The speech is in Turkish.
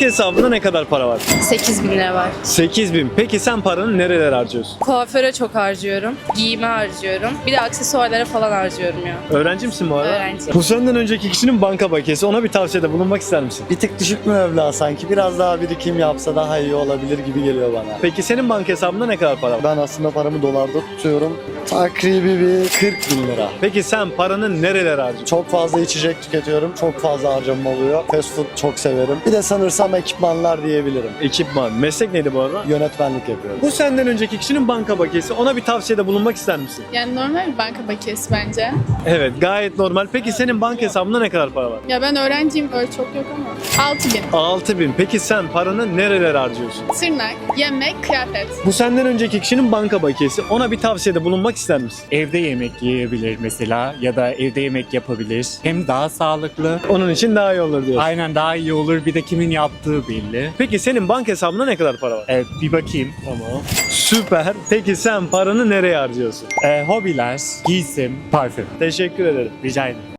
hesabında ne kadar para var? 8.000 lira var. 8.000. Peki sen paranı nerelere harcıyorsun? Kuaföre çok harcıyorum. Giyime harcıyorum. Bir de aksesuarlara falan harcıyorum ya. Öğrenci misin bu arada? Öğrenci. Bu senden önceki kişinin banka bakiyesi. Ona bir tavsiyede bulunmak ister misin? Bir tık düşük mü meblağ sanki? Biraz daha birikim yapsa daha iyi olabilir gibi geliyor bana. Peki senin banka hesabında ne kadar para var? Ben aslında paramı dolarda tutuyorum. Takribi bir 40.000 lira. Peki sen paranı nerelere harcıyorsun? Çok fazla içecek tüketiyorum. Çok fazla harcamam oluyor. Fast food çok severim. Bir de sanırsam ekipmanlar diyebilirim. Ekipman. Meslek neydi bu arada? Yönetmenlik yapıyorum. Bu senden önceki kişinin banka bakiyesi. Ona bir tavsiyede bulunmak ister misin? Yani normal bir banka bakiyesi bence. Evet, gayet normal. Peki senin banka hesabında ne kadar para var? Ya ben öğrenciyim, öyle çok yok ama. 6.000. 6.000. Peki sen paranı nerelere harcıyorsun? Tırnak, yemek, kıyafet. Bu senden önceki kişinin banka bakiyesi. Ona bir tavsiyede bulunmak ister misin? Evde yemek yiyebilir mesela ya da evde yemek yapabilir. Hem daha sağlıklı. Onun için daha iyi olur diyorsun. Aynen daha iyi olur. Bir de kimin yaptığı belli. Peki senin banka hesabında ne kadar para var? Evet bir bakayım. Tamam. Süper. Peki sen paranı nereye harcıyorsun? Hobiler, giysim, parfüm. Teşekkür ederim. Rica ederim.